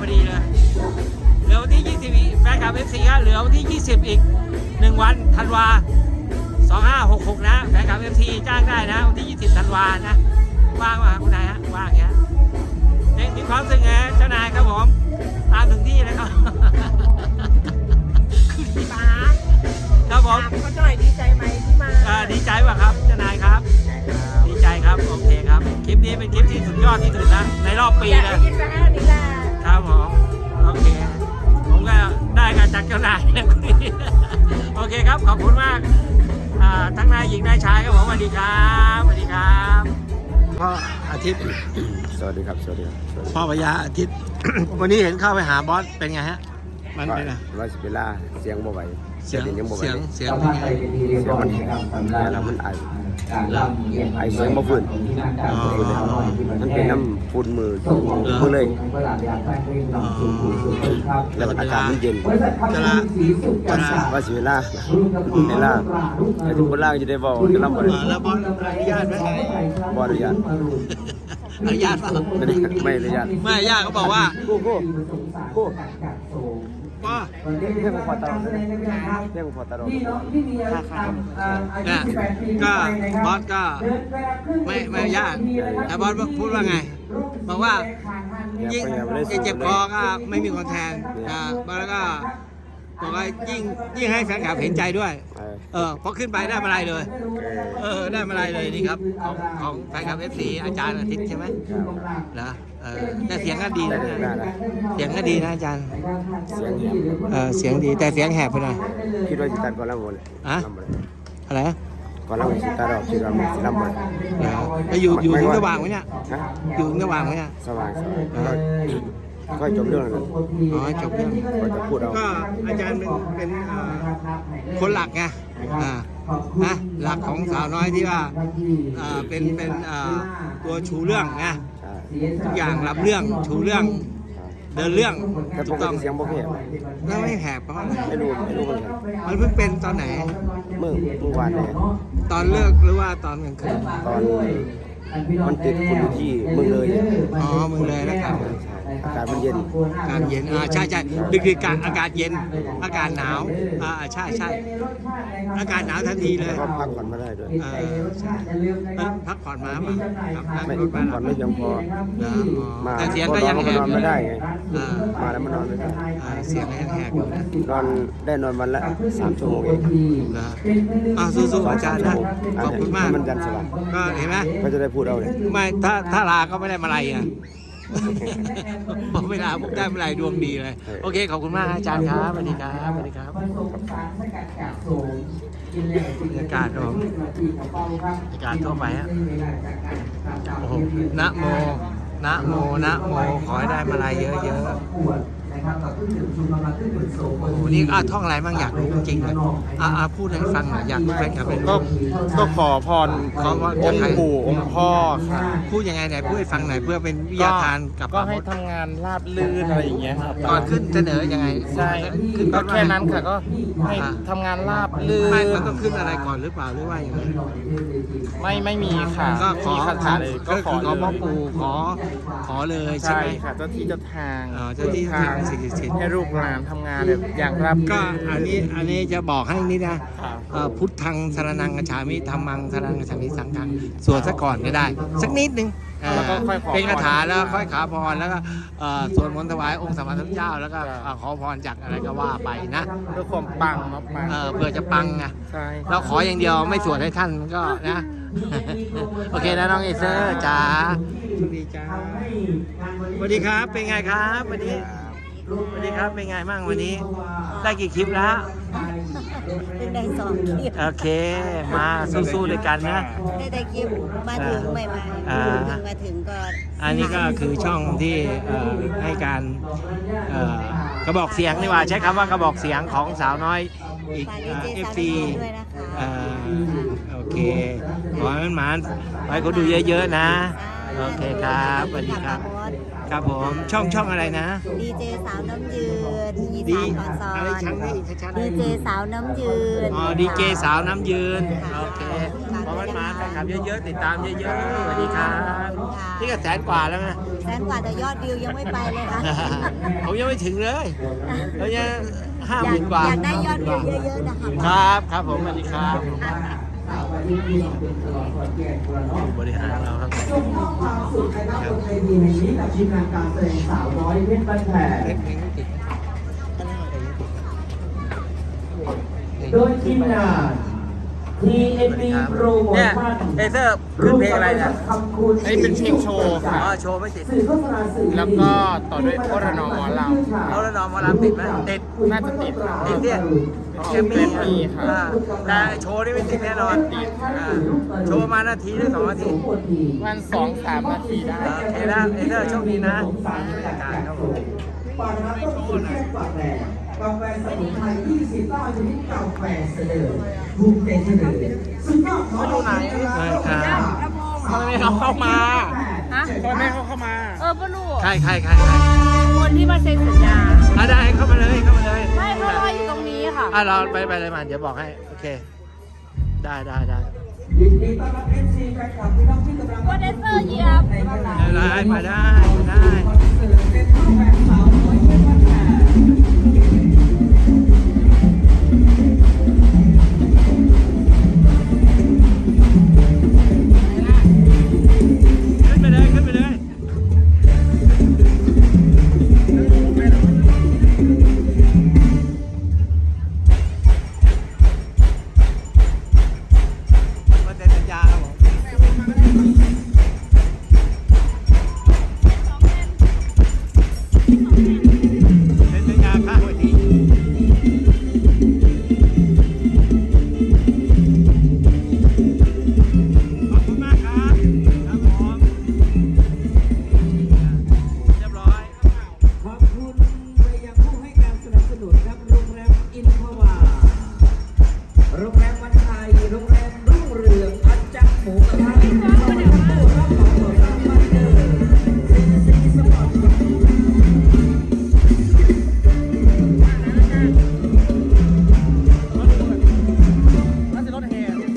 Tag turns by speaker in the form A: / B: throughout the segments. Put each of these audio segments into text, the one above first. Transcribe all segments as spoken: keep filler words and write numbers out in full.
A: พอดีเลยเหลือวันที่ยี่สิบแฟนคลับ เอฟ ซี ครับเหลือวันที่ยี่สิบอีกหนึ่งวันธันวาสองห้าหกหกนะแฟนคลับ เอฟ ซี จ้างได้นะวันที่ยี่สิบธันวานะว่างว่ะคุณนายฮะว่างเงี้ยมีความรู้สึกไงเจ้านายครับผมตามถึงที่เลยครับ
B: ป้า
A: ครับผม
B: ก็หน่อยดีใจไหมที่มา
A: ดีใจป่ะครับเจ้านายครับดีใจครับโอเคครับคลิปนี้เป็นคลิปที่สุดยอดที่สุดนะในรอบปีเลยครับผมโอเคผมก็ได้การจากเจ้านายนะคุณนี่โอเคครับขอบคุณมากทั้งนายหญิงนายชายครับผมสวัสดีครับสวัสดีครับพ่ออาทิตย์
C: สวัสดีครับสวัสดีครับ
A: พ่อพญาอาทิตย์ วันนี้เห็นเข้าไปหาบอสเป็นไงฮะมันเป็นไง
C: ร้อยสิบเวลาเสียงบ่ไหว
A: เสียง
C: ยังบ่ไหว
A: เสียงเสียง
C: เสียงมันแล้วมันไอไอเสียงบ่ฟื้นมันเป็นน้ำฝุ่นมือมือเลยแล้วอากาศมันเย็น
A: จะละจะละ
C: ว่าสิเวลาเวลาไอ้ทุกคนล่างจะได้บอกจะรับบ่ได้
A: แล้วบอสอนุญาตไหม
C: บ่อนุญาต
A: อนุญาตเปล่า
C: ไม่อนุญาต
A: ไม่ญาติเขาบอกว่า
C: กู้กู้กู้
A: ว่า
C: เรื่องพอตลอดเรื่องพอตลอดค่าค่า
A: เนี่ยก็บอสก็ไม่ไม่ญาติแต่บอสพูดว่าไงบอกว่ายิ่งเจ็บคอก็ไม่มีคนแทนนะแล้วก็บอกว่ายิ่งยิ่งให้แฟนคลับเห็นใจด้วยเออพอขึ้นไปได้มาอะไรเลยเออได้มาอะไรเลยนี่ครับของของแฟนคลับ เอฟ ซี อาจารย์อาทิตย์ใช่ไหมนะเออแต่เสียงก็ดีนะเสียงก็ดีนะอาจารย์
C: เสียง
A: เออเสียงดีแต่เสียงแหบไปหน่อย
C: คิดว่าจิตตัดก่อนแล้วหมด
A: อะอะไร
C: ก่อนแล้วจิตตัดเราคิดว่าสิลำหมด
A: แล้วอยู่อยู่ถึงสว่างไหมเนี่ยอยู่ถึงสว่างไหมเนี่ย
C: สว่างก็จบเรื่องแล้ว
A: อ๋อจบเรื่อง
C: ก็จะพูดเอา
A: ก็อาจารย์เป็นเป็นคนหลักไงอ่านะหลักของสาวน้อยที่ว่าเป็นเป็นตัวชูเรื่องนะทุกอย่างรับเรื่องชูเรื่องเดินเรื่อง
C: ถูกต้องเสียงโอเค
A: แล้วไม่แหบเพราะอะไร
C: ไม่รู้ไม่รู้เหมือนกัน
A: มันเพิ่งเป็นตอนไหน
C: เมื่อเมื่อวานเนี่ย
A: ตอนเลิกหรือว่าตอนกลางคืน
C: ตอนมันติดคุณที่มึงเลย
A: อ๋อมึงเลยนะครับ
C: อากาศมันเย็น
A: อากาศเย็นอ่าใช่ใช่ดึกดึกการอากาศเย็นอากาศหนาวอ่าใช่ใช่อากาศหนาวทันทีเลย
C: ก็พักผ่อนมาได้ด้วย
A: อ่าใช่พักผ่อนมาป่ะครับ
C: ไม่พักผ่อนไม่เพียงพอ
A: มาแต่เสียงก็ยังแหบ
C: นอนไม่ได้ไงมาแล้วมันนอนไม่ได้
A: เสียงก็ยังแหบอยู่นะ
C: นอนได้นอนวันละสามชั่วโมงเอง
A: นะอ่าสู้ๆอาจารย์นะขอบคุณมาก
C: มันยันสว่าง
A: ก็เห็นไหม
C: ก็จะได้พูดเอาเลย
A: ไม่ถ้าถ้าลาก็ไม่ได้มาอะไรอ่ะพอเวลาพวกได้เมื่อไรดวงดีเลยโอเคขอบคุณมากอาจารย์ครับสวัสดีครับสวัสดีครับบรรยากาศครับบรรยากาศทั่วไปฮะโอ้โหนะโมนะโมนะโมขอให้ได้มาอะไรเยอะๆโอ้โหนี่อ่ะท่องอะไรบ้างอยากรู้จริงเลยอ่ะพูดให้ฟังหน่อยอยากรู้แฟนคลับเป็น
D: ก็ก็ขอพร
A: ขอพร
D: องค์ปู่องค์พ่อค่ะ
A: พูดยังไงไหนพูดให้ฟังหน่อยเพื่อเป็นวิทยาทานกับ
D: ก็ให้ทำงานราบลื่นอะไรอย่างเงี้ยครับ
A: ก่อนขึ้นเสนอยังไง
D: ใช่ก็แค่นั้นค่ะก็ให้ทำงานราบลื่น
A: ไม่มันต้องขึ้นอะไรก่อนหรือเปล่าหรือว่าอย่างไร
D: ไม่ไม่มีค่ะ
A: ก็ขอ
D: คาถาเลยก็ขอ
A: ขอพ่อปู่ขอขอเลยใช่ไหม
D: ค่ะเจ้าที่เจ้าทาง
A: เจ้าที่ทางสิ่งศักดิ์สิทธิ์
D: ให้ลูกหลานทำงานแบบอย่างราบ
A: ก็อันนี้อันนี้จะบอกให้นิดนะพุทธังสรณังกัจฉามิธัมมังสรณังกัจฉามิสังฆังสวดซะก่อนก็ได้สักนิดนึงเป็นคาถาแล้วค่อยขาพรแล้วก็สวดมนต์ถวายองค์สมมาสัมพุทธเจ้าแล้วก็ขอพรจากอะไรก็ว่าไปนะ
D: เพื่อความปังมาปัง
A: เพื่อจะปังไงเราขออย่างเดียวไม่สวดให้ท่านก็นะโอเคนะน้องเอเซอร์จ๋าสวัสดีจ้าสวัสดีครับเป็นไงครับวันนี้สวัสดีครับเป็นไงบ้างวันนี้ได้กี่คลิปแล้ว
B: ได้สองคลิป
A: โอเคมาสู้ๆด้วยกันนะ
B: ได้ได้คลิปมาถึงใหม่ๆมาถึงก็
A: อันนี้ก็คือช่องที่ให้การกระบอกเสียงนี่ว่าใช้คำว่ากระบอกเสียงของสาวน้อยอีก เอฟ ซี โอเคขอให้มันหมานไปเขาดูเยอะๆนะโอเคครับสวัสดีครับครับผมช่องช่องอะไรนะ
B: ดีเจสาวน้ำยืนอีสานขอซอน
A: อะไรชั้นนี้ชัดๆ
B: ดีเจสาวน้ำยืน
A: อ๋อดีเจสาวน้ำยืนโอเคขออมันมาแฟนคลับเยอะๆติดตามเยอะๆสวัสดีครับนี่ก็แสนกว่าแล้วนะ
B: แสนกว่าแต่ยอดวิวยังไม่ไปเลยค่ะ
A: ผมยังไม่ถึงเลยเรายังห้า
B: อ
A: ห
B: ยาก
A: มื่นกว่า
B: อยากได้ยอดวิวเยอะๆนะคะ
A: ครับครับผมสวัสดีครับบริหารเราครับ
E: ส่งมอบความสุขนะครับบนเวทีแห่งนี้กับทีมงานการแสดงสาวน้อยเพชรบ้านแพงโดยทีมงาน ที เอ็น บี โปรโม
A: เนี่ย
E: ชั่น
A: เอเซอร์ขึ้นเพลงอะไรเนี่ย
D: อันนี้เป็นเพลงโชว์
A: อ๋อโชว์ไม่ติด
E: สื่อโฆษณาสื่อ
D: แล้วก็ต่อด้วยโคตรนอหมอลำ
A: แล้วแล้วน้องหมาลำติดไหมติด
D: น่าจะติด
A: ติดเนี่ยแกมมี่
D: แกรมมี่ครับ
A: อ่าแต่โชว์นี่ไม่ติดแน่นอนอ่าโชว์มานาทีหรือสองนาที
D: วันสองสามนาทีได้
A: โอเคนะเอเซอร์โชคดีนะนี่บรรยากาศครับผม
E: ปานาต้มสุดแซ่บปากแดงกาแฟสมุนไพรยี่สิบเก้าชนิดกาแฟเสนอภูมิใจเสนอสุดยอดของไหน
A: ใช่ครับ
D: ทำไมเขาเข้ามา
F: ฮะ
D: ทำไมไม่เขาเข้ามา
F: เออพ่อลูก
A: ใครใครใครใคร
F: คนที่มาเซ็นสัญญา
A: อ่ะได้เข้ามาเลยเข้ามาเลย
F: ไม่พ่อรออยู่ตรงนี้ค่ะ
A: อ่ะเราไปไปเลยมาเดี๋ยวบอกให้โอเค ได้ได้ได้
E: ยินดีต้อนรับ เอฟ ซี แฟนคลับที่น้องที่กำลัง
F: ก็เดนเซอร์เหยียบ
A: ได้มาได้ได้
E: คอนเสิร์ตเป็นข้าวแฟนสาวน้อยเพชรบ้านแพง
A: ขึ้นไปเลยขึ้นไปเลยมาเซ็นสัญญาครับผมเซ็นสัญญาข้างเวทีขอบคุณมากครับครับผมเรียบร้อย
E: ขอบคุณไปยังผู้ให้การสนับสนุนครับโรงแรมอินทวาโรงแรมวันไทยโรงแรมรุ่งเรืองอัจจักหมูกระทะซอยตู้รับของก่อสร้างบ้านเดิมซีซีสปอร์ต
D: น่าจะรถแห่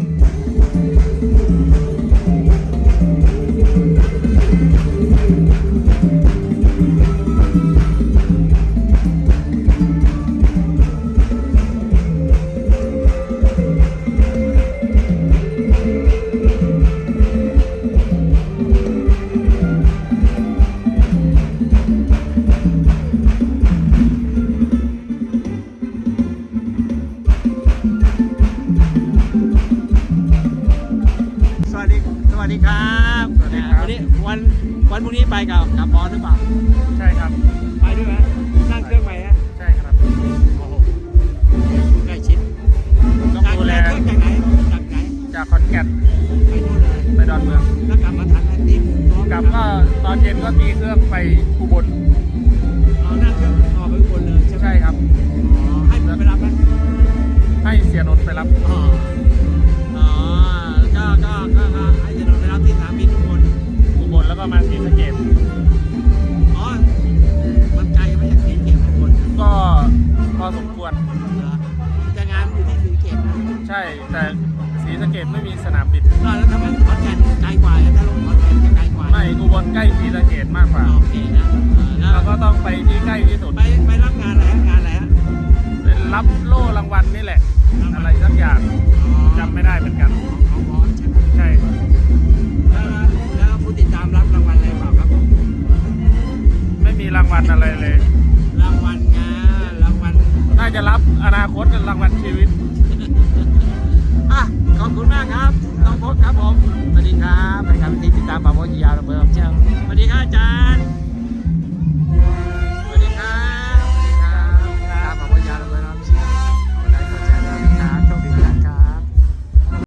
A: สวัสดีสวัสดีครับสวัสดีครับวันนี้วันวันพรุ่งนี้ไปกับกับบอสหรือเปล่า
D: ใช่ครับ
A: ไปด้วยไหมนั่งเครื่องไปฮะ
D: ใช่ครับ
A: โอ้โหใกล้ชิด
D: ต้องดูแล
A: เครื่องจากไหนจากไหน
D: จากขอนแก่น
A: ไปนู่นเลย
D: ไปดอนเมือง
A: แล้วกลับมาทันไหมตีม
D: กลับก็ตอนเย็นก็ตีเครื่องไปอุบล
A: เอานั่งเครื่องออกไปอุบลเลยใช่ไหม
D: ใช่ครับ
A: อ๋อให้ผมไปรับไหม
D: ให้เสียนนท์ไปรับ
A: อ๋ออ๋อก็ก็ก็ก็ให้จะโดนไปรับที่สนามบินทุกคน
D: อุบลแล้วก็มาศรีสะเกษ
A: อ๋อมันไกลไหมจากที่เก็บทุกคน
D: ก็พอสมควร
A: เหรอแต่งานอยู่ที่สีเก็บนะ
D: ใช่ แต่ศรีสะเกษไม่มีสนามบิน
A: ก็แล้วทำไมขอนแก่นไกลกว่าถ้าลงขอนแก่นจะไกลกว่า
D: ไม่อุบลใกล้ศรีสะเกษมากกว่า
A: โอเคนะเออแล้ว
D: เราก็ต้องไปที่ใกล้ที่สุด
A: ไปไปรับงานอะไรฮะงานอะไรฮะ
D: เป็นรับโล่รางวัลนี่แหละ อะไรสักอย่างจำไม่ได้เหมือนกัน
A: ของบอสใช่ไหม
D: ใช่
A: แล้วแล้วผู้ติดตามรับรางวัลอะไรเปล่าครับผม
D: ไม่มีรางวัลอะไรเลย
A: รางวัลงานรางวัล
D: น่าจะรับอนาคตเป็นรางวัลชีวิต
A: ช